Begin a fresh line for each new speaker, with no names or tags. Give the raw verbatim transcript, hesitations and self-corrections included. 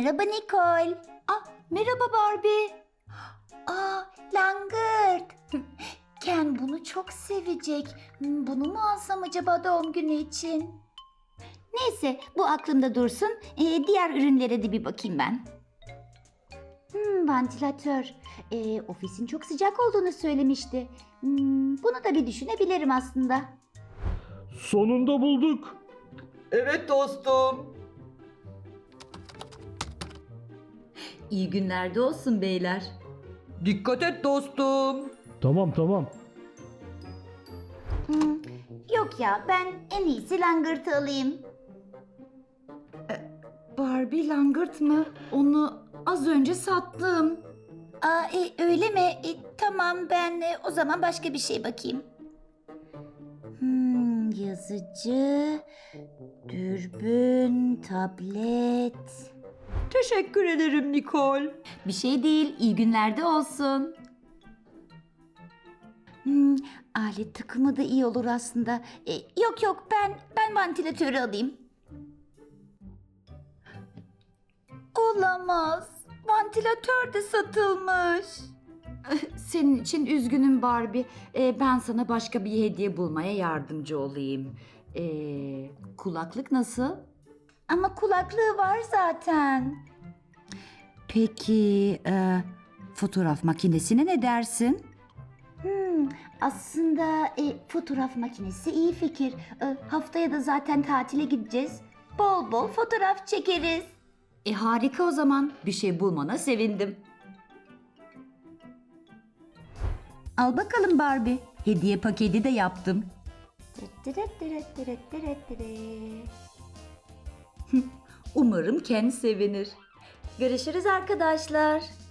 Merhaba Nicole.
Ah, merhaba Barbie.
Aa, langırt. Ken bunu çok sevecek. Hmm, Bunu mu alsam acaba doğum günü için? Neyse, bu aklımda dursun. Ee, diğer ürünlere de bir bakayım ben. Hmm, vantilatör. Ee, ofisin çok sıcak olduğunu söylemişti. Hmm, bunu da bir düşünebilirim aslında.
Sonunda bulduk.
Evet dostum.
İyi günlerde olsun beyler.
Dikkat et dostum.
Tamam tamam.
Hmm, yok ya, ben en iyisi langırtı alayım.
Barbie langırt mı? Onu az önce sattım.
Aa, e, öyle mi? E, tamam, ben e, o zaman başka bir şey bakayım. Hmm, yazıcı, dürbün, tablet.
Teşekkür ederim Nicole.
Bir şey değil, iyi günlerde olsun.
Hmm, alet takımı da iyi olur aslında. E, yok yok, ben ben vantilatörü alayım. Olamaz. Vantilatör de satılmış.
Senin için üzgünüm Barbie. Ee, ben sana başka bir hediye bulmaya yardımcı olayım. Ee, kulaklık nasıl?
Ama kulaklığı var zaten.
Peki e, fotoğraf makinesine ne dersin?
Hmm, aslında e, fotoğraf makinesi iyi fikir. E, haftaya da zaten tatile gideceğiz. Bol bol fotoğraf çekeriz.
E harika o zaman. Bir şey bulmana sevindim. Al bakalım Barbie. Hediye paketi de yaptım. Umarım Ken sevinir. Görüşürüz arkadaşlar.